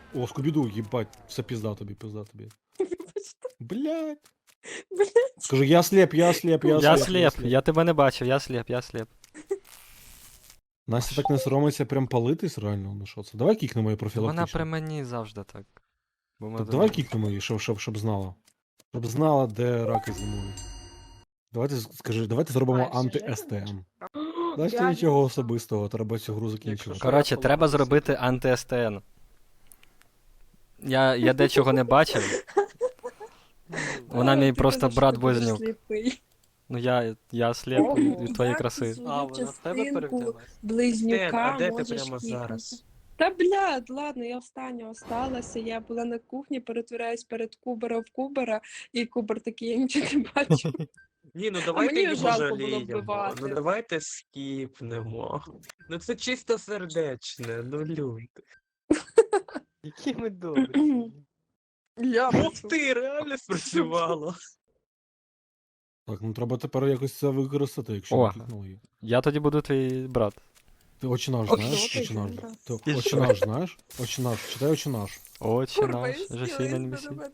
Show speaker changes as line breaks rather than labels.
О, Скубіду, їбать, все пізда тобі, пізда тобі. Блядь.
Блядь.
Скажи, я слеп, я слеп, я
Я
слеп.
сліп, я тебе не бачив, я сліп, я сліп.
Настя так не соромиться прям палитись реально, ну що це? Давай кікнемо її
Вона
профілактично.
при мені завжди так. Бо ми
Так
до
давай
неї-
кікнемо її, щоб знала. Щоб знала, де раки зимують. Давайте скажи, давайте зробимо
Знаєш,
анти-СТМ. Настя
Реально,
нічого
що?
особистого, треба цю гру закінчити.
Якщо
Коротше,
Я
треба
поломався.
зробити анти-СТН. Я дечого не бачив. Вона мій
Ти
просто
казав, що
брат
ти будеш
близнюк.
сліпий.
Ну я сліп
Ого,
від твоєї
як
краси.
ти свою
А, вона в тебе
частинку
перевдялась?
близнюка
А де ти
можеш
прямо
кікнути.
зараз?
Та блядь, ладно, я остання осталася. Я була на кухні, перетворяюсь перед Кубера в Кубера, і Кубер такий, я нічого не бачу.
Ні, ну давайте
мені
її
жалко було
пожаліємо.
вбивати.
Ну давайте скіпнемо. Ну це чисто сердечне, ну люди.
Які ми добрі.
Я
Ух ти, реально спрацювало.
Так, ну треба тепер якось це використати, якщо
О.
не кікнули її.
Я тоді буду твій брат.
Ти очинаш
Ох,
знаєш?
що ти,
Очинаш.
Юра?
Ти очинаш знаєш? Очинаш, читай очинаш.
Очі
Курва,
наш,
і
же
сіла,
сильно
і
не
на
місі.
мене